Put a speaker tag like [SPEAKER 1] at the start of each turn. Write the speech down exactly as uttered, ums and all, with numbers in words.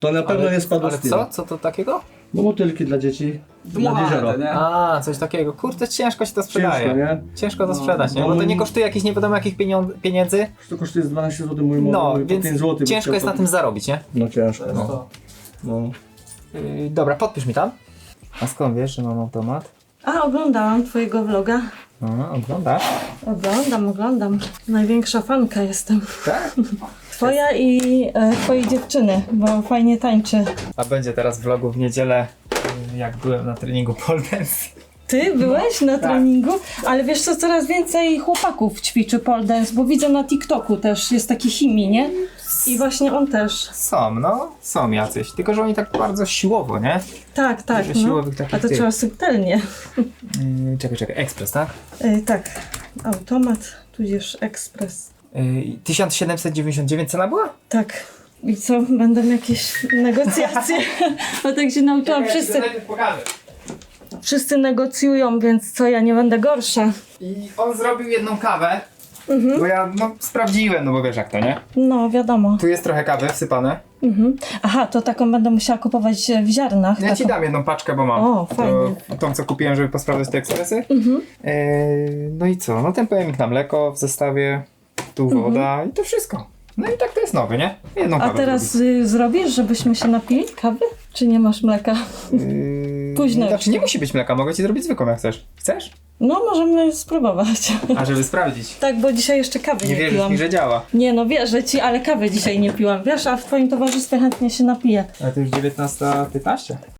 [SPEAKER 1] To na pewno
[SPEAKER 2] Ale,
[SPEAKER 1] nie spadło
[SPEAKER 2] ale
[SPEAKER 1] z tira.
[SPEAKER 2] co? Co to takiego?
[SPEAKER 1] No motylki dla dzieci. Dla
[SPEAKER 3] Dmuchane
[SPEAKER 1] jeziora.
[SPEAKER 3] to, nie?
[SPEAKER 2] A, coś takiego. Kurde, ciężko się to sprzedaje.
[SPEAKER 1] Ciężko, nie?
[SPEAKER 2] Ciężko to
[SPEAKER 3] No,
[SPEAKER 2] sprzedać, nie?
[SPEAKER 1] no
[SPEAKER 2] Bo to
[SPEAKER 1] mój-
[SPEAKER 2] nie kosztuje jakichś nie wiadomo jakich pieniądz, pieniędzy.
[SPEAKER 1] To kosztuje z dwanaście złotych, mój
[SPEAKER 2] No,
[SPEAKER 1] mój, po
[SPEAKER 2] więc
[SPEAKER 1] pięć złotych.
[SPEAKER 2] ciężko jest na tym zarobić, nie?
[SPEAKER 1] No ciężko,
[SPEAKER 3] To jest
[SPEAKER 1] no.
[SPEAKER 3] to.
[SPEAKER 1] no.
[SPEAKER 2] Yy, dobra, podpisz mi tam. A skąd wiesz, że mam automat?
[SPEAKER 4] A, oglądałam twojego vloga.
[SPEAKER 2] A, oglądasz?
[SPEAKER 4] Oglądam, oglądam. Największa fanka jestem.
[SPEAKER 2] Tak?
[SPEAKER 4] Twoja i e, twojej dziewczyny, bo fajnie tańczy.
[SPEAKER 2] A będzie teraz vlogu w niedzielę, yy, jak byłem na treningu pole dance.
[SPEAKER 4] Ty byłeś na treningu? Ale wiesz co, coraz więcej chłopaków ćwiczy pole dance, bo widzę na TikToku też, jest taki Himi, nie? I właśnie on też.
[SPEAKER 2] Są, no, są jacyś. Tylko, że oni tak bardzo siłowo, nie?
[SPEAKER 4] Tak, tak,
[SPEAKER 2] Dużo
[SPEAKER 4] no.
[SPEAKER 2] siłowych takich
[SPEAKER 4] A to
[SPEAKER 2] tych.
[SPEAKER 4] trzeba subtelnie.
[SPEAKER 2] Yy, czekaj, czekaj, ekspres, tak?
[SPEAKER 4] E, tak, automat, tudzież ekspres.
[SPEAKER 2] Yy, tysiąc siedemset dziewięćdziesiąt dziewięć cena była?
[SPEAKER 4] Tak. I co, będą jakieś negocjacje? Bo tak się nauczyłam, wszyscy,
[SPEAKER 2] pokażę.
[SPEAKER 4] wszyscy negocjują, więc co, ja nie będę gorsza.
[SPEAKER 2] I on zrobił jedną kawę,
[SPEAKER 4] Mhm.
[SPEAKER 2] bo ja no sprawdziłem, no bo wiesz jak to, nie?
[SPEAKER 4] No, wiadomo.
[SPEAKER 2] Tu jest trochę kawy wsypane.
[SPEAKER 4] Mhm. Aha, to taką będę musiała kupować w ziarnach.
[SPEAKER 2] Ja ci
[SPEAKER 4] taką.
[SPEAKER 2] dam jedną paczkę, bo mam.
[SPEAKER 4] O, fajnie.
[SPEAKER 2] To, tą, co kupiłem, żeby posprawdzać te ekspresy.
[SPEAKER 4] Mhm.
[SPEAKER 2] Eee, no i co? No ten pojemnik na mleko w zestawie, tu woda i to wszystko. No i tak to jest nowy, nie? Jedną
[SPEAKER 4] Mhm. A
[SPEAKER 2] kawę
[SPEAKER 4] teraz
[SPEAKER 2] zrobić.
[SPEAKER 4] y, zrobisz, żebyśmy się napili kawy? Czy nie masz mleka?
[SPEAKER 2] Eee,
[SPEAKER 4] późno
[SPEAKER 2] Znaczy
[SPEAKER 4] już.
[SPEAKER 2] nie musi być mleka, mogę ci zrobić zwykłą jak chcesz. Chcesz?
[SPEAKER 4] No, możemy spróbować.
[SPEAKER 2] A żeby sprawdzić.
[SPEAKER 4] Tak, bo dzisiaj jeszcze kawy
[SPEAKER 2] Nie
[SPEAKER 4] nie,
[SPEAKER 2] wierzysz
[SPEAKER 4] piłam.
[SPEAKER 2] mi, że działa.
[SPEAKER 4] Nie no, wierzę ci, ale kawy dzisiaj nie piłam. Wiesz, a w twoim towarzystwie chętnie się napiję.
[SPEAKER 2] Ale to już dziewiętnasta piętnaście.